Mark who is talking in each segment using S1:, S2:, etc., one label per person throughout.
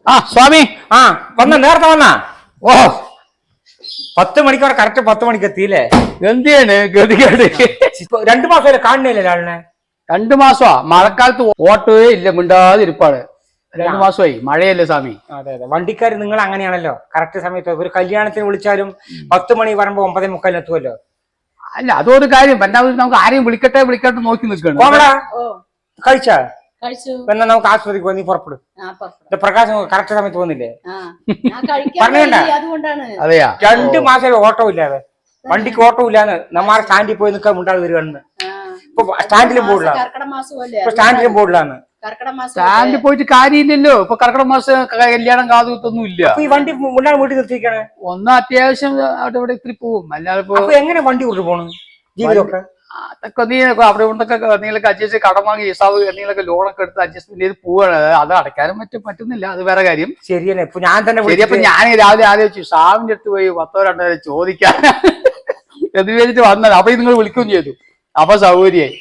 S1: ആ സ്വാമി.
S2: ആ നേരത്തെ വന്നാ. ഓ 10 മണിക്ക് കറക്റ്റ് 10 മണിക്ക് എത്തിയില്ലേ?
S1: എന്തിയാണ് ഗതികേട്?
S2: 2 മാസമല്ലേ കാണുന്നില്ലേ ഒരാളിനെ?
S1: 2 മാസമാ? മഴക്കാലത്ത് ഓട്ടോയേ ഇല്ല, മിണ്ടാതിരിപ്പാണ്. 2 മാസമായി, മഴയല്ലേ സ്വാമി.
S2: അതെ അതെ, വണ്ടിക്കാർ നിങ്ങൾ അങ്ങനെയാണല്ലോ. കറക്റ്റ് സമയത്ത് ഒരു കല്യാണത്തിന് വിളിച്ചാലും 10 മണി പറയുമ്പോ 9:45 എത്തുമല്ലോ.
S1: അല്ല, അതൊരു കാര്യം. നമുക്ക് ആരെയും വിളിക്കട്ടെ നോക്കി നിൽക്കണം.
S2: കഴിച്ചാ എന്നാ നമുക്ക് ആശുപത്രിക്ക് പോയി, നീ പുറപ്പെടും. പ്രകാശം കറക്റ്റ് സമയത്ത് പോകുന്നില്ലേ? പറഞ്ഞേണ്ട.
S1: അതെയാ,
S2: 2 മാസം ഓട്ടോ ഇല്ലാതെ, വണ്ടിക്ക് ഓട്ടോ ഇല്ലാന്ന് നമ്മാരെ സ്റ്റാൻഡിൽ പോയി നിൽക്കാൻ ഉണ്ടാകും വരുവാണെന്ന്. ഇപ്പൊ സ്റ്റാൻഡിലും ബോർഡിലാണ്.
S1: സ്റ്റാൻഡിൽ പോയിട്ട് കാര്യമില്ലല്ലോ. ഇപ്പൊ കർക്കിടക മാസം കല്യാണം കാതുകുത്തൊന്നും ഇല്ല.
S2: ഈ വണ്ടി മുണ്ടാണ് വീട്ടിൽ നിർത്തിയിരിക്കണേ.
S1: ഒന്ന് അത്യാവശ്യം അവിടെ ഇവിടെ ഇത്തിരി പോവും. അല്ലാതെ
S2: എങ്ങനെ വണ്ടി കൊണ്ട് പോണു ജീവിതമൊക്കെ?
S1: അതൊക്കെ നീ അവിടെ ഇവിടൊക്കെ എന്തെങ്കിലൊക്കെ അഡ്ജസ്റ്റ് കടം വാങ്ങി ഹിസാബ് എന്തെങ്കിലൊക്കെ ലോണൊക്കെ എടുത്ത് അഡ്ജസ്റ്റ്മെന്റ് ചെയ്ത് പോവാണ്. അത് അടയ്ക്കാനും പറ്റുന്നില്ല, അത് വേറെ കാര്യം.
S2: ശരിയല്ലേ? ഇപ്പൊ ഞാൻ തന്നെ
S1: ശരിയപ്പൊ ഞാൻ രാവിലെ ആലോചിച്ചു സാവിന്റെ അടുത്ത് പോയി 100-200 ചോദിക്കാൻ എന്ന് വെച്ചിട്ട് വന്നത്. അപ്പൊ നിങ്ങൾ വിളിക്കുകയും ചെയ്തു. അപ്പൊ സൗകര്യമായി.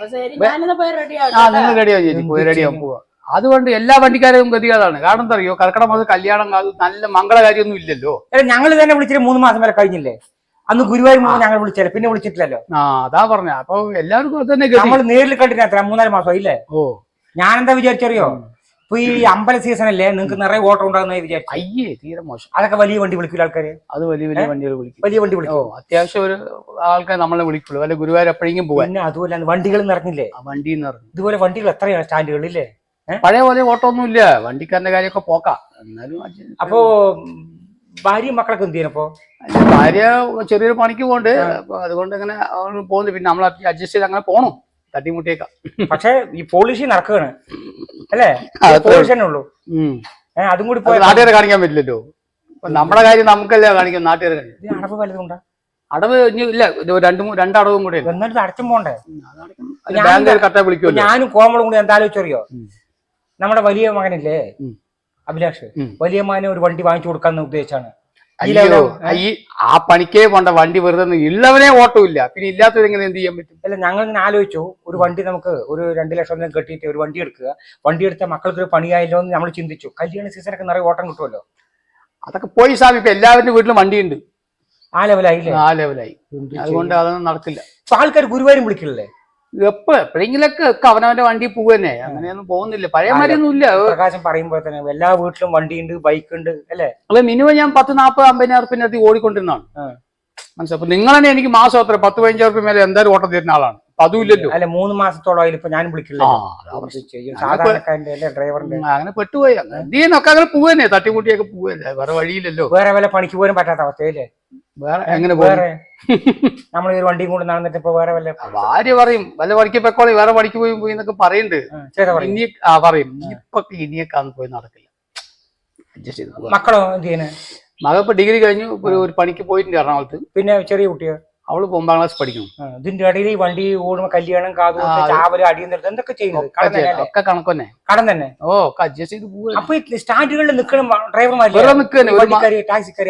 S1: നിങ്ങൾ റെഡിയാവും ചേച്ചി, പോയി റെഡിയാവും പോവാ. അതുകൊണ്ട് എല്ലാ വണ്ടിക്കാരും ഗതികേടാണ്. കാരണം എന്താ അറിയോ, കർക്കിടക മാസം കല്യാണം നല്ല മംഗളകാര്യമൊന്നും ഇല്ലല്ലോ.
S2: ഞങ്ങൾ തന്നെ വിളിച്ചിട്ട് 3 മാസം വരെ കഴിഞ്ഞില്ലേ? അന്ന് ഗുരുവായൂർ ഞങ്ങൾ വിളിച്ചല്ലേ, പിന്നെ വിളിച്ചിട്ടില്ലല്ലോ.
S1: അതാ പറഞ്ഞ. അപ്പൊ എല്ലാവർക്കും അത് തന്നെ.
S2: നമ്മൾ നേരിൽ കണ്ടിട്ട് 3-4 മാസം ഇല്ലേ?
S1: ഓ,
S2: ഞാൻ എന്താ വിചാരിച്ചറിയോ, ഇപ്പൊ ഈ അമ്പല സീസൺ അല്ലേ, നിങ്ങൾക്ക് നിറയെ ഓട്ടം ഉണ്ടാകുന്ന വിചാരിച്ചു.
S1: അയ്യേ, തീരെ മോശം.
S2: അതൊക്കെ വലിയ വണ്ടി വിളിക്കില്ല ആൾക്കാര്.
S1: അത് വലിയ വണ്ടികൾ വിളിക്കും.
S2: വലിയ വണ്ടി വിളിക്കും.
S1: അത്യാവശ്യം ഒരു ആൾക്കാർ നമ്മളെ വിളിക്കുള്ളൂ. വല്ല ഗുരുവായൂർ എപ്പോഴെങ്കിലും പോവാൻ.
S2: പിന്നെ അതുപോലെ വണ്ടികൾ നിറഞ്ഞില്ലേ?
S1: വണ്ടിയിൽ നിന്ന് ഇറങ്ങി.
S2: ഇതുപോലെ വണ്ടികൾ എത്രയാണ് സ്റ്റാൻഡുകളില്ലേ?
S1: പഴയ പോലെ ഓട്ടോ ഒന്നും ഇല്ല. വണ്ടിക്കാരന്റെ കാര്യമൊക്കെ പോക്കാം. എന്നാലും
S2: അപ്പോ ഭാര്യയും മക്കളൊക്കെ എന്ത് ചെയ്യണപ്പോ?
S1: ഭാര്യ ചെറിയൊരു പണിക്ക് പോകണ്ട്. അതുകൊണ്ട് അങ്ങനെ പോകുന്നു. പിന്നെ നമ്മൾ അഡ്ജസ്റ്റ് ചെയ്ത് അങ്ങനെ പോണം, തട്ടിമുട്ടിയേക്കാം.
S2: പക്ഷെ ഈ പോളിഷി നടക്കുകയാണ് അല്ലേ? പോളിഷ് തന്നെ ഉള്ളൂ. അതും കൂടി
S1: നാട്ടുകാരെ കാണിക്കാൻ പറ്റില്ലല്ലോ. നമ്മുടെ കാര്യം നമുക്കല്ലേ കാണിക്കാം, നാട്ടുകാരെ കാണിക്കാം.
S2: അടവ് വലുതുണ്ടാ?
S1: അടവ് ഇല്ല, 2 അടവും കൂടെ.
S2: എന്നിട്ട് അടച്ചും പോണ്ടേ?
S1: കറക്റ്റാ വിളിക്കുമല്ലോ.
S2: ഞാനും കോമളും കൂടി എന്താ ആലോചിച്ചറിയോ, നമ്മുടെ വലിയ മകനില്ലേ അഭിലാഷ്, വലിയ മകനെ ഒരു വണ്ടി വാങ്ങിച്ചു കൊടുക്കാന്ന് ഉദ്ദേശിച്ചാണ്.
S1: ആ പണിക്കേ പോണ്ട, വണ്ടി വെറുതെ ഉള്ളവനെ ഓട്ടോ ഇല്ല, പിന്നെ ഇല്ലാത്തവരെങ്ങനെ എന്ത് ചെയ്യാൻ പറ്റും?
S2: അല്ല, ഞങ്ങൾ ഇങ്ങനെ ആലോചിച്ചു, ഒരു വണ്ടി നമുക്ക് ഒരു 2 ലക്ഷം കെട്ടിയിട്ട് ഒരു വണ്ടി എടുക്കുക. വണ്ടി എടുത്ത മക്കൾക്ക് ഒരു പണിയായല്ലോ എന്ന് നമ്മൾ ചിന്തിച്ചു. കല്യാണ സീസണൊക്കെ നിറയെ ഓട്ടം കിട്ടുമല്ലോ.
S1: അതൊക്കെ പോയി സാമി. ഇപ്പൊ എല്ലാവരുടെ വീട്ടിലും വണ്ടിയുണ്ട്.
S2: ആ ലെവലായില്ലേ?
S1: ആ ലെവലായി. അതുകൊണ്ട് അതൊന്നും നടക്കില്ല.
S2: ഇപ്പൊ ആൾക്കാർ ഗുരുവായൂരും വിളിക്കില്ലേ?
S1: എപ്പോഴെങ്കിലൊക്കെ അവനവന്റെ വണ്ടി പോവന്നെ. അങ്ങനെയൊന്നും പോകുന്നില്ല, പഴയ മാതിരിയൊന്നും ഇല്ല.
S2: പ്രകാശം പറയുമ്പോൾ തന്നെ എല്ലാ വീട്ടിലും വണ്ടിയുണ്ട്, ബൈക്ക് ഉണ്ട് അല്ലേ?
S1: അല്ല, മിനിമം ഞാൻ 10-40-50,000 റുപ്യ ഓടിക്കൊണ്ടിരുന്നതാണ്. മനസ്സിലായി. അപ്പൊ നിങ്ങൾ തന്നെ എനിക്ക് മാസം അത്ര 10-15 റുപ്യ മേലെ എന്തായാലും ഓട്ടം തരുന്ന ആളാണ്. അതും ഇല്ലല്ലോ.
S2: അല്ല, 3 മാസത്തോളം ഇപ്പൊ ഞാൻ വിളിക്കില്ല. സാധാരണക്കാരന്റെ ഡ്രൈവറിന്റെ
S1: അങ്ങനെ പെട്ടുപോയി. എന്തിനൊക്കെ അങ്ങനെ പോവന്നെ, തട്ടിമുട്ടിയൊക്കെ പോവല്ലേ, വേറെ വഴിയില്ലല്ലോ.
S2: വേറെ വല്ല പണിക്ക് പോലും പറ്റാത്ത അവസ്ഥയല്ലേ?
S1: വേറെ എങ്ങനെ
S2: വേറെ നമ്മൾ ഒരു വണ്ടിയും കൂടെ നടന്നിട്ട് ഇപ്പൊ വേറെ വല്ല
S1: ഭാര്യ പറയും വല്ല പണിക്ക് പൊക്കോളി, വേറെ പണിക്ക് പോയി എന്നൊക്കെ പറയുന്നുണ്ട്. ഇനി പറയും ഇനിയൊക്കെ അന്ന് പോയി നടക്കില്ല. അഡ്ജസ്റ്റ് ചെയ്ത്.
S2: മക്കളോ എന്ത് ചെയ്യുന്നത്?
S1: മകൾ ഇപ്പൊ ഡിഗ്രി കഴിഞ്ഞു, ഒരു പണിക്ക് പോയിട്ടുണ്ട് എറണാകുളത്ത്.
S2: പിന്നെ ചെറിയ കുട്ടിയോ?
S1: അവള് 9ാം ക്ലാസ് പഠിക്കണം.
S2: ഇതിന്റെ ഇടയിൽ ഈ വണ്ടി ഓടുമ്പോ കല്യാണം, കാതുകുത്ത്, ചാവല്, അടിയും നിർത്തും എന്തൊക്കെ ചെയ്യുന്നത്?
S1: ഒക്കെ കണക്ക് തന്നെ.
S2: കടം തന്നെ.
S1: അഡ്ജസ്റ്റ് ചെയ്ത് പോവുക.
S2: അപ്പൊ സ്റ്റാൻഡുകളിൽ നിൽക്കണം ഡ്രൈവർമാർ ടാക്സിക്കാരി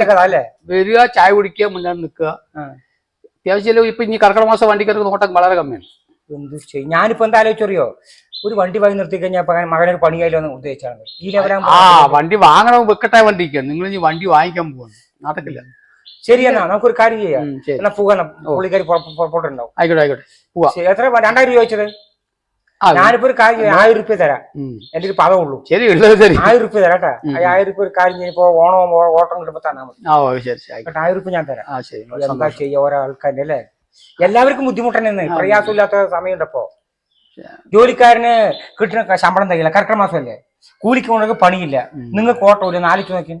S1: വരിക, ചായ കുടിക്കുക, മുന്നേ നിൽക്കുക. അത്യാവശ്യം ഇപ്പൊ ഇനി കർക്കിടക മാസം വണ്ടിക്കാർക്ക് നോട്ടം വളരെ കമ്മിയാണ്.
S2: എന്ത് ചെയ്യും? ഞാനിപ്പോ എന്താ ആലോചിച്ചറിയോ, ഒരു വണ്ടി വാങ്ങി നിർത്തി കഴിഞ്ഞാൽ മകനൊരു പണിയായില്ലോ എന്ന് ഉദ്ദേശിച്ചാണ്. ഈ ലെവലാകുമ്പോ
S1: വണ്ടി വാങ്ങണം, വെക്കട്ടെ വണ്ടിക്ക്. നിങ്ങൾ ഇനി വണ്ടി വാങ്ങിക്കാൻ പോവാണ്, നടക്കില്ല.
S2: ശരി, എന്നാ നമുക്കൊരു കാര്യം ചെയ്യാം. എന്നാ പോകണം, പുള്ളിക്കാരി പുറപ്പെട്ടുണ്ടാവും.
S1: ആയിക്കോട്ടെ പോവാ.
S2: എത്ര 2000 രൂപ ചോദിച്ചത്? ഞാനിപ്പോ ഒരു കാര്യം 1000 രൂപ തരാം. എന്റെ ഒരു പദമുള്ളൂ.
S1: ശരി, 1000
S2: രൂപ തരാട്ടാ. 1000 രൂപ ഒരു കാര്യം ഇപ്പൊ ഓണം ഓട്ടം കിട്ടുമ്പോ തന്നാ മതി. 1000 രൂപ ഞാൻ തരാം. എന്താ ചെയ്യാ, ഓരോ ആൾക്കാരുടെ അല്ലേ? എല്ലാവർക്കും ബുദ്ധിമുട്ട് തന്നെ, പ്രയാസമില്ലാത്ത സമയമുണ്ടപ്പോ. ജോലിക്കാരന് കിട്ടുന്ന ശമ്പളം തയ്യില്ല, കർക്കിടക മാസമല്ലേ, കൂലിക്ക് കൊണ്ടൊക്കെ പണിയില്ല, നിങ്ങൾക്ക് ഓട്ടോ ഇല്ല. നാലിച്ചു നോക്കി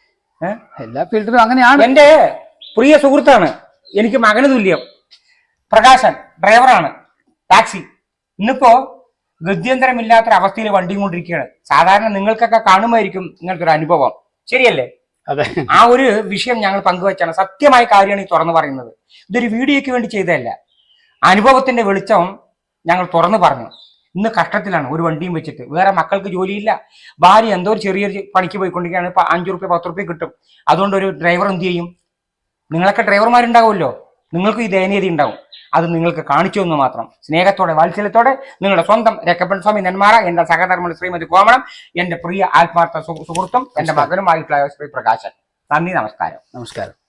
S1: എല്ലാ ഫീൽഡിലും അങ്ങനെയാണ്.
S2: എന്റെ പ്രിയ സുഹൃത്താണ്, എനിക്ക് മകന് തുല്യം, പ്രകാശൻ ഡ്രൈവറാണ്, ടാക്സി. ഇന്നിപ്പോ ഗത്യന്തരമില്ലാത്തൊരവസ്ഥയിൽ വണ്ടിയും കൊണ്ടിരിക്കുകയാണ്. സാധാരണ നിങ്ങൾക്കൊക്കെ കാണുമായിരിക്കും ഇങ്ങനത്തെ ഒരു അനുഭവം, ശരിയല്ലേ?
S1: അതെ.
S2: ആ ഒരു വിഷയം ഞങ്ങൾ പങ്കുവച്ചാണ്. സത്യമായ കാര്യമാണ് ഈ തുറന്നു പറയുന്നത്. ഇതൊരു വീഡിയോയ്ക്ക് വേണ്ടി ചെയ്തതല്ല. അനുഭവത്തിന്റെ വെളിച്ചം ഞങ്ങൾ തുറന്നു പറഞ്ഞു. ഇന്ന് കഷ്ടത്തിലാണ്, ഒരു വണ്ടിയും വെച്ചിട്ട്. വേറെ മക്കൾക്ക് ജോലിയില്ല, ഭാര്യ എന്തോ ഒരു ചെറിയൊരു പണിക്ക് പോയിക്കൊണ്ടിരിക്കുകയാണ്. ഇപ്പൊ 5 രൂപ 10 രൂപ കിട്ടും. അതുകൊണ്ട് ഒരു ഡ്രൈവർ എന്ത് ചെയ്യും? നിങ്ങളൊക്കെ ഡ്രൈവർമാരുണ്ടാവുമല്ലോ, നിങ്ങൾക്ക് ഈ ദയനീയത ഉണ്ടാവും. അത് നിങ്ങൾക്ക് കാണിച്ചു എന്ന് മാത്രം. സ്നേഹത്തോടെ വാത്സല്യത്തോടെ നിങ്ങളുടെ സ്വന്തം രക്കപ്പൻ സ്വാമി നെന്മാറ, എന്റെ സഹധർമ്മ ശ്രീമതി കോമളം, എന്റെ പ്രിയ ആത്മാർത്ഥ സുഹൃത്തും എന്റെ മകനുമായിട്ടുള്ള ശ്രീ പ്രകാശൻ. നന്ദി, നമസ്കാരം.
S1: നമസ്കാരം.